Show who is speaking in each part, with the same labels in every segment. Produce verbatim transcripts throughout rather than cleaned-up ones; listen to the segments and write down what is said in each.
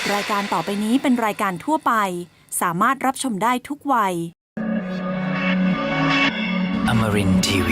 Speaker 1: รายการต่อไปนี้เป็นรายการทั่วไปสามารถรับชมได้ทุกวัย
Speaker 2: Amarin ที วี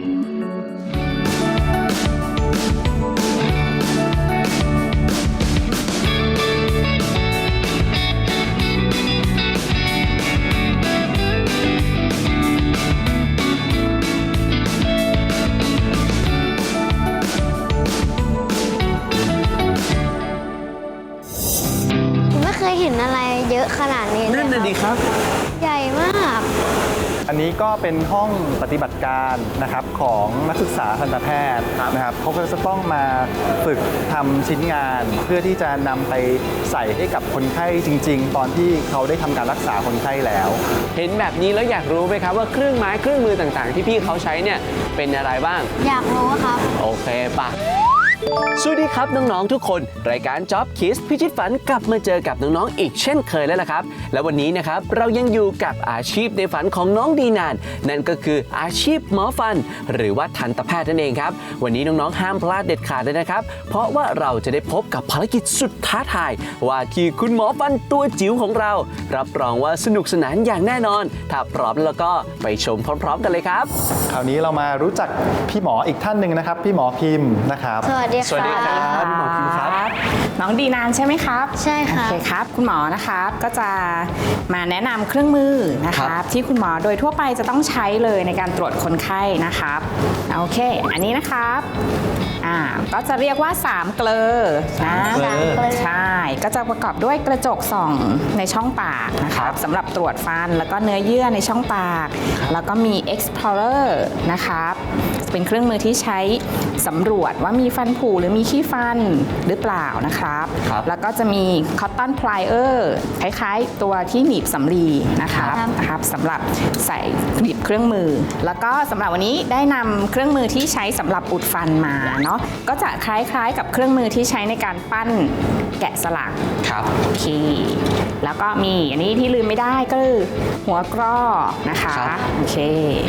Speaker 3: ไม่เคยเห็นอะไรเยอะขนาดนี้เลย
Speaker 4: นั่นน่ะดีครับ
Speaker 3: ใหญ่มาก
Speaker 5: อันนี้ก็เป็นห้องปฏิบัติการนะครับของนักศึกษาทันตแพทย์นะครับเขาก็จะต้องมาฝึกทำชิ้นงาน เพื่อที่จะนำไปใส่ให้กับคนไข้จริงๆ ตอนที่เขาได้ทำการรักษาคนไข้แล้ว
Speaker 4: เห็นแบบนี้แล้วอยากรู้ไหมครับว่าเครื่องไม้เครื่องมือต่างๆ ที่พี่เขาใช้เนี่ยเป็นอะไรบ้าง
Speaker 3: อยากรู้ครับ
Speaker 4: โอเคปะสวัสดีครับน้องๆทุกคนรายการ Job Kids พิชิตฝันกลับมาเจอกับน้องๆอีกเช่นเคยแล้วล่ะครับและวันนี้นะครับเรายังอยู่กับอาชีพในฝันของน้องดีนานนั่นก็คืออาชีพหมอฟันหรือว่าทันตแพทย์นั่นเองครับวันนี้น้องๆห้ามพลาดเด็ดขาดเลยนะครับเพราะว่าเราจะได้พบกับภารกิจสุดท้าทายว่าที่คุณหมอฟันตัวจิ๋วของเรารับรองว่าสนุกสนานอย่างแน่นอนถ้าพร้อมแล้วก็ไปชมพร้อมๆกันเลยครับ
Speaker 5: คราวนี้เรามารู้จักพี่หมออีกท่านหนึ่งนะครับพี่หมอพิมพ์นะครับ
Speaker 3: สวัสดี
Speaker 4: สวัสดีครั
Speaker 3: ค่ะ
Speaker 4: บ หมอพิมพ์ครับ
Speaker 6: น้องดีนานใช่ไหมครับ
Speaker 3: ใช่ครับ
Speaker 6: โอเคครับ คุณหมอนะครับก็จะมาแนะนำเครื่องมือนะค
Speaker 4: ครั
Speaker 6: รับบ ที่คุณหมอโดยทั่วไปจะต้องใช้เลยในการตรวจคนไข้นะครับโอเค อันนี้นะครับอ่าก็จะเรียกว่าสามเกลอนะ
Speaker 3: สามเกลอ
Speaker 6: ใช่ก็จะประกอบด้วยกระจกส่องในช่องปากนะครับสำหรับตรวจฟันแล้วก็เนื้อเยื่อในช่องปาก แล้วก็มี explorer นะครับเป็นเครื่องมือที่ใช้สำรวจว่ามีฟันผุหรือมีขี้ฟันหรือเปล่านะครับ
Speaker 4: ครับ
Speaker 6: แล้วก็จะมี cotton plier คล้ายๆ ตัวที่หนีบสำลีนะครับ
Speaker 3: ครับ
Speaker 6: นะครับสำหรับใส่หนีบเครื่องมือ แล้วก็สำหรับวันนี้ได้นำเครื่องมือที่ใช้สำหรับอุดฟันมาเนาะก็จะคล้ายๆ กับเครื่องมือที่ใช้ในการปั้นแกะสลัก
Speaker 4: ครับ
Speaker 6: โอเคแล้วก็มีอันนี้ที่ลืมไม่ได้ก็คือหัวกรอนะคะ
Speaker 4: ครับ
Speaker 6: โอเค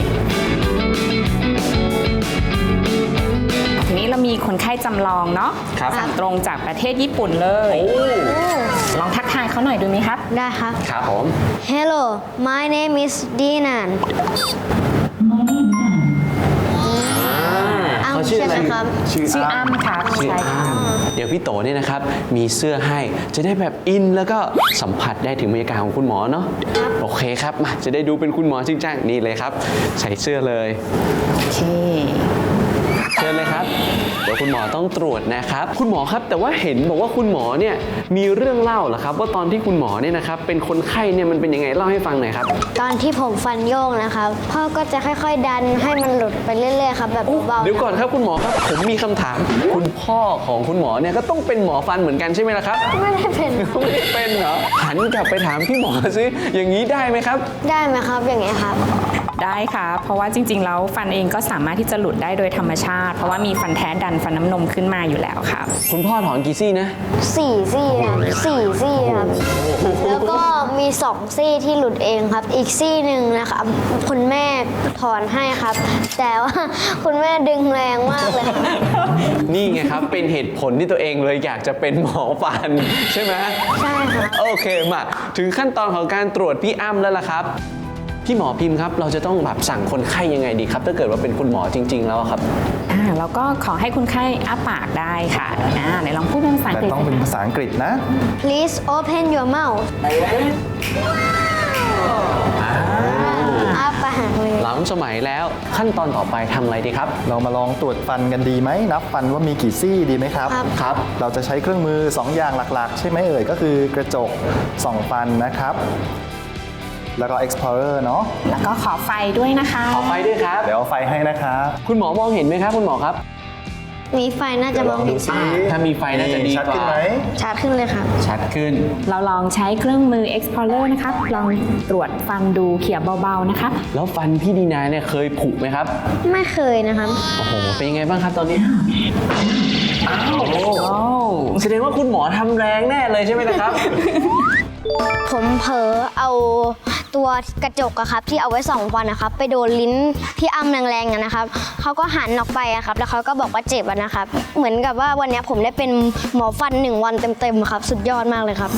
Speaker 6: ทีนี้เรามีคนไข้จำลองเนาะ
Speaker 4: ครับ
Speaker 6: สั่งตรงจากประเทศญี่ปุ่นเลย ลองทักทายเขาหน่อยดูไหมครับ
Speaker 3: ได้ครับ
Speaker 4: ครับผม
Speaker 3: Hello my name is Dinan อ้าว
Speaker 4: เขาชื่อ
Speaker 3: ใช่
Speaker 4: อะ
Speaker 3: ไห
Speaker 4: ไร
Speaker 3: มครับ
Speaker 4: ชื่อ
Speaker 6: ชื่ออ้ำครับ
Speaker 4: ชื่อ
Speaker 6: ใช่ค่ะ
Speaker 4: อ้ำเดี๋ยวพี่โตเนี่ยนะครับมีเสื้อให้จะได้แบบอินแล้วก็สัมผัสได้ถึงบรรยากาศของคุณหมอเนาะโอเคครับมาจะได้ดูเป็นคุณหมอจริงจังนี่เลยครับ ใส่เสื้อเลย
Speaker 6: โอเค
Speaker 4: เชิญเลยครับ เดี๋ยวคุณหมอต้องตรวจนะครับ คุณหมอครับแต่ว่าเห็นบอกว่าคุณหมอเนี่ยมีเรื่องเล่าเหรอครับ ว่าตอนที่คุณหมอเนี่ยนะครับเป็นคนไข้เนี่ยมันเป็นยังไงเล่าให้ฟังหน่อยครับ
Speaker 3: ตอนที่ผมฟันโยกนะครับ พ่อก็จะค่อยๆ ดันให้มันหลุดไปเรื่อยๆ ครับ แบบเบาๆ
Speaker 4: เดี๋ยวก่อนครับคุณหมอครับผมมีคำถาม คุณพ่อของคุณหมอเนี่ยก็ต้องเป็นหมอฟันเหมือนกันใช่ไหมล่ะครับ
Speaker 3: ไม่ได้เป็น
Speaker 4: ไม่ได้เป็นเหรอหันกลับไปถามพี่หมอซิอย่างนี้ได้ไหมครับ
Speaker 3: ได้ไหมครับอย่างเงี้ยครับ
Speaker 6: ได้ค่ะเพราะว่าจริงๆแล้วฟันเองก็สามารถที่จะหลุดได้โดยธรรมชาติ เพราะว่ามีฟันแท้ดันฟันน้ำนมขึ้นมาอยู่แล้วครับ
Speaker 4: คุณพ่อถอนกี่ซี่นะ
Speaker 3: สี่ซี่ครับสี่ซี่ครับ แล้วก็มีสองซี่ที่หลุดเองครับ อีกซี่หนึ่งนะครับ คุณแม่ถอนให้ครับ แต่ว่าคุณแม่ดึงแรงมากเลยครับ
Speaker 4: นี่ไงครับ เป็นเหตุผลที่ตัวเองเลยอยากจะเป็นหมอฟันใช่ไหม
Speaker 3: ใช่ครับ
Speaker 4: โอเคมาถึงขั้นตอนของการตรวจพี่อ้ำแล้วล่ะครับ พี่หมอพิมพ์ครับ เราจะต้องแบบสั่งคนไข้ยังไงดีครับ ถ้าเกิดว่าเป็นคุณหมอจริง ๆ แล้วครับ
Speaker 6: อ่าแล้วก็ขอให้คนไข้อ้าปากได้ค่ะอ่าไหนลองพูดเป็นภาษาอัง
Speaker 5: แต่
Speaker 6: กฤษ
Speaker 5: ต้องเป็นภาษาอังกฤษนะ
Speaker 3: Please open your mouth อ้าปากเลย
Speaker 4: หลังสมัยแล้วขั้นตอนต่อไปทำอะไรดีครับ
Speaker 5: เรามาลองตรวจฟันกันดีไหมนับฟันว่ามีกี่ซี่ดีไหมครับ
Speaker 3: ครับ
Speaker 4: ครับ
Speaker 5: เราจะใช้เครื่องมือสองอย่างหลักๆ ใช่ไหมเอ่ยก็คือกระจกส่องฟันนะครับ แล้วก็ explorer เนาะ
Speaker 6: แล้วก็ขอไฟด้วยนะคะ
Speaker 4: ขอไฟด้วยครับ
Speaker 5: เดี๋ยวเอาไฟให้นะครับ
Speaker 4: คุณหมอมองเห็นไหมครับ คุณหมอครับ
Speaker 3: มีไฟน่าจะมองเห็น
Speaker 5: อ่า
Speaker 4: ถ้ามีไฟน่าจะดี
Speaker 5: ชัด
Speaker 4: ก
Speaker 5: ขึ้น
Speaker 4: ว่า
Speaker 5: ไหม
Speaker 3: ชัดขึ้นเลยครับ
Speaker 4: ชัดขึ้น
Speaker 6: เราลองใช้เครื่องมือ explorer นะครับลองตรวจฟันดูเขี่ยเบาๆนะครับ
Speaker 4: แล้วฟันพี่ดีนาเนี่ยเคยผุไหมครับ
Speaker 3: ไม่เคยนะครับ
Speaker 4: โอ้โห เป็นยังไงบ้างครับตอนนี้ อ้าว
Speaker 6: โอ้
Speaker 4: แสดงว่าคุณหมอทำแรงแน่เลยใช่ไหมล่ะครับ
Speaker 3: ผมเผลอเอาตัวกระจกอะครับที่เอาไว้ส่องฟันนะครับไปโดนลิ้นพี่อ้ำแรงๆอะนะครับเขาก็หันออกไปอะครับแล้วเขาก็บอกว่าเจ็บอะนะครับเหมือนกับว่าวันนี้ผมได้เป็นหมอฟันหนึ่งวันเต็มๆครับสุดยอดมากเลยครับ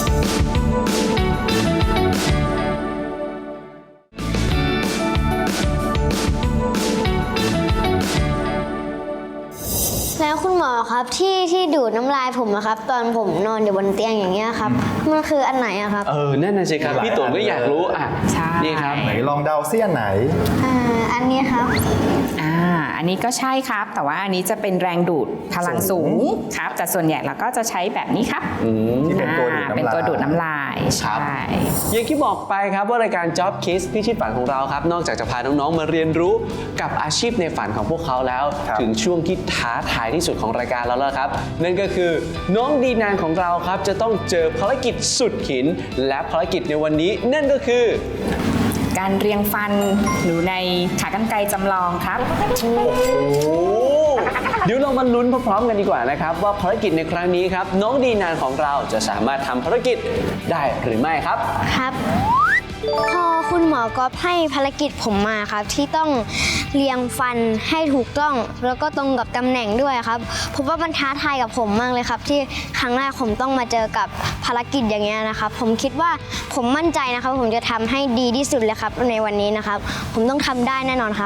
Speaker 3: แล้วคุณหมอครับที่ที่ดูดน้ำลายผมอะครับตอนผมนอนอยู่บนเตียงอย่างเงี้ยครับมันคืออันไหนอะครับ
Speaker 4: เออนั่นน่ะสิครับพี่ตุ๋นก็อยากรู้อ่ะ
Speaker 6: ใช่
Speaker 4: นี่ครับ
Speaker 5: ไหนลองเดาเสี้ยนไหน
Speaker 3: อ่าอันนี้ครับ
Speaker 6: อ่าอันนี้ก็ใช่ครับ แต่ว่าอันนี้จะเป็นแรงดูดพลังสูงครับ แต่ส่วนใหญ่เราก็จะใช้แบบนี้ครับ
Speaker 5: ที่เป็นตัวดูด
Speaker 6: อ่า
Speaker 5: น้ำลาย
Speaker 6: เป็นตัวดูดน้ำลาย
Speaker 4: ครั
Speaker 6: ใช่
Speaker 4: บ อย่างที่บอกไปครับว่ารายการ Job Kids พิชิตฝันของเราครับนอกจากจะพาน้องๆมาเรียนรู้กับอาชีพในฝันของพวกเขาแล้ว
Speaker 5: ครับ
Speaker 4: ถึงช่วงที่ท้าทายที่สุดของรายการแล้วล่ะครับ นั่นก็คือน้องดีนานของเราครับจะต้องเจอภารกิจสุดหิน และภารกิจในวันนี้นั่นก็คือ
Speaker 6: การเรียงฟันหรือในขากรรไกรจำลองครับ
Speaker 4: โอ้เดี๋ยวเรามาลุ้นพร้อมๆกันดีกว่านะครับว่าภารกิจในครั้งนี้ครับน้องดีนานของเราจะสามารถทำภารกิจได้หรือไม่ครับ
Speaker 3: ครับพอคุณหมอก็ให้ภารกิจผมมาครับที่ต้องเรียงฟันให้ถูกต้องแล้วก็ตรงกับตำแหน่งด้วยครับผมว่ามันท้าทายกับผมมากเลยครับที่ครั้งแรกผมต้องมาเจอกับภารกิจอย่างเงี้ยนะครับผมคิดว่าผมมั่นใจนะครับผมจะทำให้ดีที่สุดเลยครับในวันนี้นะครับผมต้องทำได้แน่นอนครับ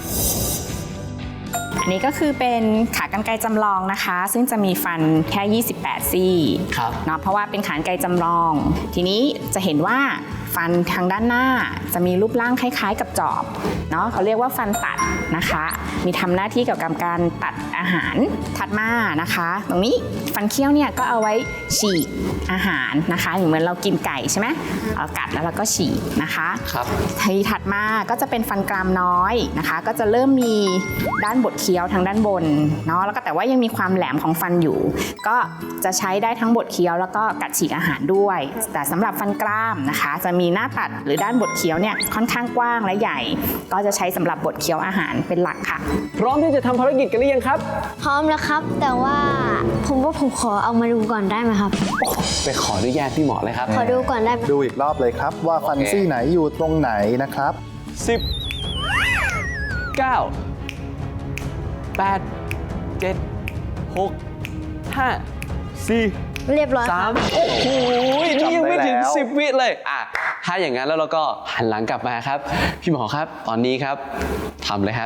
Speaker 6: อันนี้ก็คือเป็นขากรรไกรจำลองนะคะ ซึ่งจะมีฟันแค่ ยี่สิบแปด ซี่
Speaker 4: ครับ
Speaker 6: เนาะเพราะว่าเป็นขากรรไกรจำลอง ทีนี้จะเห็นว่าฟันทางด้านหน้าจะมีรูปร่างคล้ายๆกับจอบเนาะเขาเรียกว่าฟันตัดนะคะ มีทำหน้าที่เกี่ยวกับการตัดอาหารถัดมานะคะ ตรงนี้ฟันเคี้ยวเนี่ยก็เอาไว้ฉีกอาหารนะคะอย่างเหมือนเรากินไก่ใช่ไหมเรากัดแล้วเราก็ฉีกนะคะ
Speaker 4: ครับ
Speaker 6: ทีถัดมาก็จะเป็นฟันกรามน้อยนะคะ ก็จะเริ่มมีด้านบดเคี้ยวทางด้านบนเนาะแล้วก็แต่ว่ายังมีความแหลมของฟันอยู่ ก็จะใช้ได้ทั้งบดเคี้ยวแล้วก็กัดฉีกอาหารด้วย แต่สำหรับฟันกรามนะคะ จะมีหน้าตัดหรือด้านบดเคี้ยวเนี่ยค่อนข้างกว้างและใหญ่ ก็จะใช้สำหรับบดเคี้ยวอาหารเป็นหลักค่ะ
Speaker 4: พร้อมที่จะทำภารกิจกันหรือยังครับ
Speaker 3: พร้อมแล้วครับ แต่ว่าผมว่าผมขอเอามาดูก่อนได้ไหมครับ
Speaker 4: ไปขออนุญาตพี่หมอเลยครับ
Speaker 3: ขอดูก่อนได้ไหม
Speaker 5: ดูอีกรอบเลยครับว่าฟัน
Speaker 4: โอเค
Speaker 5: ซี่ไหนอยู่ตรงไหนนะครับ
Speaker 4: สิบ เก้า แปด เจ็ด หก ห้า สี่
Speaker 3: เรียบร้อยค
Speaker 4: สา
Speaker 3: รั
Speaker 4: ม
Speaker 3: บ
Speaker 4: โอ้โหนี่ยังไม่ถึง
Speaker 5: จำได้แล้ว
Speaker 4: สิบวิเลยอ่ะถ้าอย่างนั้นแล้วเราก็หันหลังกลับมาครับ พี่หมอครับ ตอนนี้ครับทำเลยครับ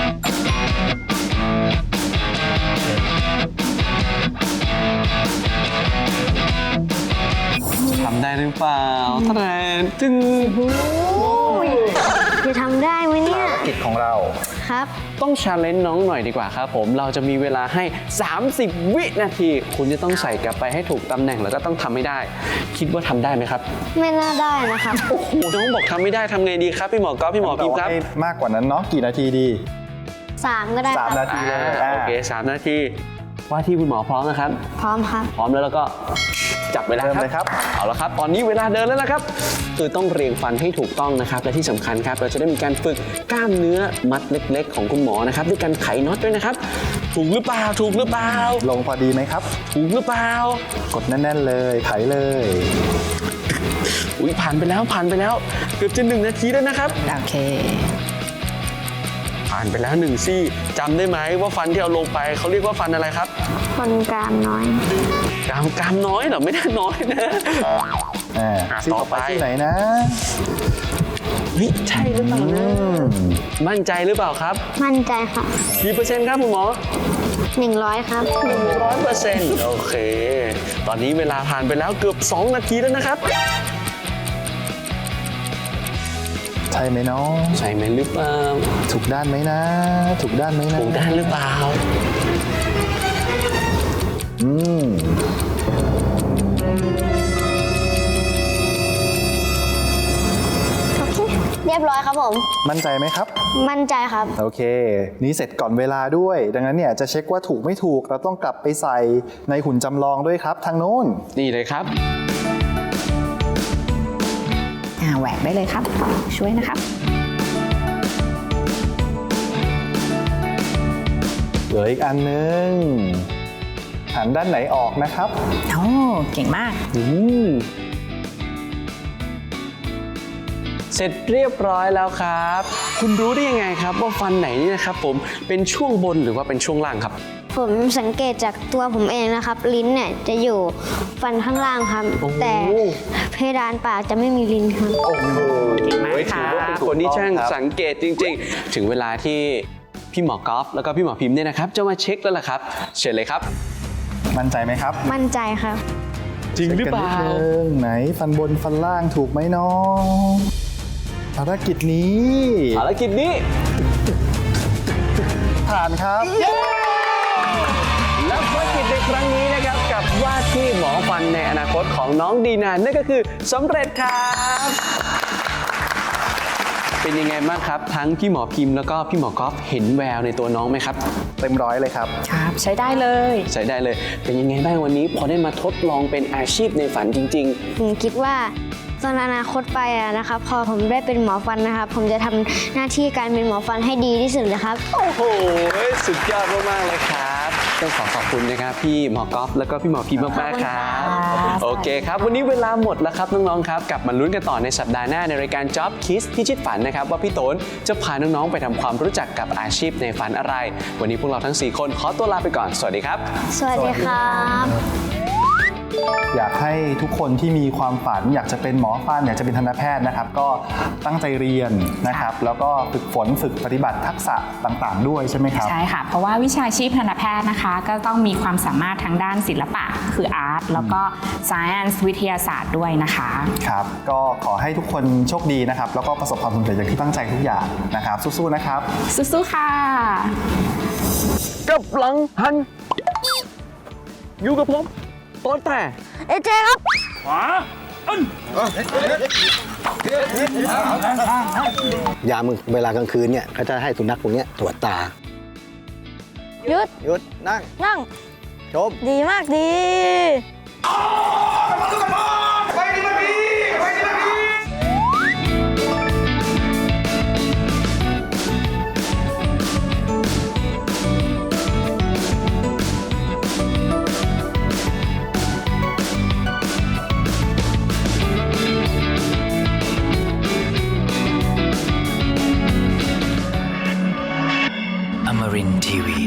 Speaker 4: ทำได้หรือเปล่าท่านแนจึง
Speaker 3: จะทำได้ไหมเนี่ย
Speaker 5: กิจของเรา
Speaker 3: ครับ
Speaker 4: ต้องชาเลนจ์น้องหน่อยดีกว่าครับผม เราจะมีเวลาให้ สามสิบ วินาที คุณจะต้องใส่กลับไปให้ถูกตำแหน่งแล้วก็ต้องทำให้ได้ คิดว่าทำได้ไหมครับ
Speaker 3: ไม่น่าได้นะครับ
Speaker 4: โอ้โห น้องบอกทำไม่ได้ทำไงดีครับ พี่หมอก๊อฟพี่หมอพิมพ์ครับ
Speaker 5: ให้มากกว่านั้นเนาะกี่นาทีดี
Speaker 3: สามก็ได้ค
Speaker 5: สาม
Speaker 3: รับ
Speaker 5: นาทีเลย
Speaker 4: อ่า
Speaker 5: อ่า
Speaker 4: โอเคสามนาที ว่าที่คุณหมอพร้อมนะครับ
Speaker 3: พร้อมครับ
Speaker 4: พร้อมแล้วแล้วก็จับเวลา
Speaker 5: เริ่ม
Speaker 4: ครับ
Speaker 5: เลยครับ
Speaker 4: เอาละครับ ตอนนี้เวลาเดินแล้วนะครับ คือต้องเรียงฟันให้ถูกต้องนะครับ และที่สำคัญครับ เราจะได้มีการฝึกกล้ามเนื้อมัดเล็ก ๆ ของคุณหมอนะครับด้วยการไขน็อตด้วยนะครับ ถูกหรือเปล่า ถูกหรือเปล่า
Speaker 5: ลงพอดีไหมครับ
Speaker 4: ถูกหรือเปล่า
Speaker 5: กดแน่นๆเลยไขเลย
Speaker 4: อุ้ยผ่านไปแล้วผ่านไปแล้ว เกือบจะหนึ่งนาทีแล้วนะครับ
Speaker 6: โอเค
Speaker 4: ผ่านไปแล้วหนึ่งซี่จำได้ไหมว่าฟันที่เอาลงไปเขาเรียกว่าฟันอะไรครับ
Speaker 3: คนกรามน้อย
Speaker 4: กรามกรามน้อยเหรอไม่ได้น้อยนะ
Speaker 5: อ่า
Speaker 4: อ่ะ
Speaker 5: ซี่
Speaker 4: ต่
Speaker 5: ต่
Speaker 4: อ
Speaker 5: อ
Speaker 4: ไป
Speaker 5: ไปที่ไหนนะ
Speaker 4: เฮ้ยใช่หรือเปล่านะ
Speaker 5: อืม
Speaker 4: มั่นใจหรือเปล่าครับ
Speaker 3: มั่นใจครับ
Speaker 4: กี่เปอร์เซ็นต์ครับคุณหมอ
Speaker 3: หนึ่งร้อยครับ
Speaker 4: ร้อยเปอร์เซ็นต์โอเค ตอนนี้เวลาผ่านไปแล้วเกือบสองนาทีแล้วนะครับ
Speaker 5: ใช่ไหมน้อง
Speaker 4: ใช่ไหมหรือเปล่า
Speaker 5: ถูกด้านไหมนะ ถูกด้านไหมนะ
Speaker 4: ถูกด้านหรือเปล่า
Speaker 5: อืม
Speaker 3: โอเค เรียบร้อยครับผม
Speaker 5: มั่นใจไหมครับ
Speaker 3: มั่นใจครับ
Speaker 5: โอเค นี่เสร็จก่อนเวลาด้วย ดังนั้นเนี่ยจะเช็คว่าถูกไม่ถูก เราต้องกลับไปใส่ในหุ่นจำลองด้วยครับ ทางโน้น
Speaker 4: นี่เลยครับ
Speaker 6: อ่าแหวกได้เลยครับ ช่วยนะครับ
Speaker 5: เหลืออีกอันนึง หันด้านไหนออกนะครับ
Speaker 6: โอ้ เก่งมาก
Speaker 4: อืมเสร็จเรียบร้อยแล้วครับ คุณรู้ได้ยังไงครับว่าฟันไหนนี่นะครับผมเป็นช่วงบนหรือว่าเป็นช่วงล่างครับ
Speaker 3: ผมสังเกตจากตัวผมเองนะครับ ลิ้นเนี่ยจะอยู่ฟันข้างล่างครับ
Speaker 4: โอ้
Speaker 3: แต่เพดานปากจะไม่มีลิ้นครับ
Speaker 4: โอ้โห
Speaker 6: เก่งมาก
Speaker 4: ถื
Speaker 6: ค่ะ
Speaker 4: อว่าเป็นคนที่ช่างสังเกตจริง ๆ ถึงเวลาที่พี่หมอกอล์ฟแล้วก็พี่หมอพิมพ์เนี่ยนะครับจะมาเช็คแล้วล่ะครับเชิญเลยครับ
Speaker 5: มั่นใจไหมครับ
Speaker 3: มั่นใจครับ
Speaker 4: จริงหรือเปล่า
Speaker 5: ช็คกันนิดนึงไหนฟันบนฟันล่างถูกไหมน้องภารกิจนี้
Speaker 4: ภารกิจนี้
Speaker 5: ผ่านครับ
Speaker 4: และภารกิจในครั้งนี้นะครับกับว่าที่หมอฟันในอนาคตของน้องดีนานนั่นก็คือสำเร็จครับ เป็นยังไงบ้างครับ ทั้งพี่หมอพิมพ์แล้วก็พี่หมอกอล์ฟเห็นแววในตัวน้องไหมครับ
Speaker 5: เต็มร้อยเลยครับ
Speaker 6: ครับ ใช้ได้เลย
Speaker 4: ใช้ได้เลย เป็นยังไงบ้างวันนี้พอได้มาทดลองเป็นอาชีพในฝันจริง
Speaker 3: ผมคิดว่าตอนอนาคตไปอะนะครับ พอผมได้เป็นหมอฟันนะครับ ผมจะทำหน้าที่การเป็นหมอฟันให้ดีที่สุดเลยครับ
Speaker 4: ๆ โอ้โห สุดยอดมากๆเลยครับต้องขอขอบคุณนะครับพี่หมอกอล์ฟแล้วก็พี่หมอพิมพ์มากๆครับ โอเคครับ วันนี้เวลาหมดแล้วครับน้องๆครับกลับมาลุ้นกันต่อในสัปดาห์หน้าในรายการ Job Kiss พิชิตฝันนะครับว่าพี่โตนจะพาน้องๆไปทำความรู้จักกับอาชีพในฝันอะไร วันนี้พวกเราทั้งสี่คนขอตัวลาไปก่อนสวัสดีครับ
Speaker 3: สวัสดีครับ
Speaker 5: อยากให้ทุกคนที่มีความฝัน อยากจะเป็นหมอฟันอยากจะเป็นทันตแพทย์นะครับ ก็ตั้งใจเรียนนะครับ แล้วก็ฝึกฝนฝึกปฏิบัติทักษะต่างๆ ด้วยใช่ไหมครับ
Speaker 6: ใช่ค่ะ เพราะว่าวิชาชีพทันตแพทย์นะคะ ก็ต้องมีความสามารถทางด้านศิลปะ คืออาร์ต แล้วก็ science วิทยาศาสตร์ด้วยนะคะ
Speaker 5: ครับ ก็ขอให้ทุกคนโชคดีนะครับ แล้วก็ประสบความสำเร็จอย่างที่ตั้งใจทุกอย่างนะครับ สู้ๆ นะครับ
Speaker 6: สู้ๆ ค่ะ
Speaker 4: กับหลังหัน อยู่กับผมต้นแต่
Speaker 3: เอเจครับ
Speaker 7: ยามเวลากลางคืนเนี่ยเขาจะให้สุนัขพวกเนี้ยตรวจตา
Speaker 3: หยุด
Speaker 7: หยุด นั่ง
Speaker 3: นั่ง
Speaker 7: ชม
Speaker 3: ดีมากดี
Speaker 2: Amarin Tiwi.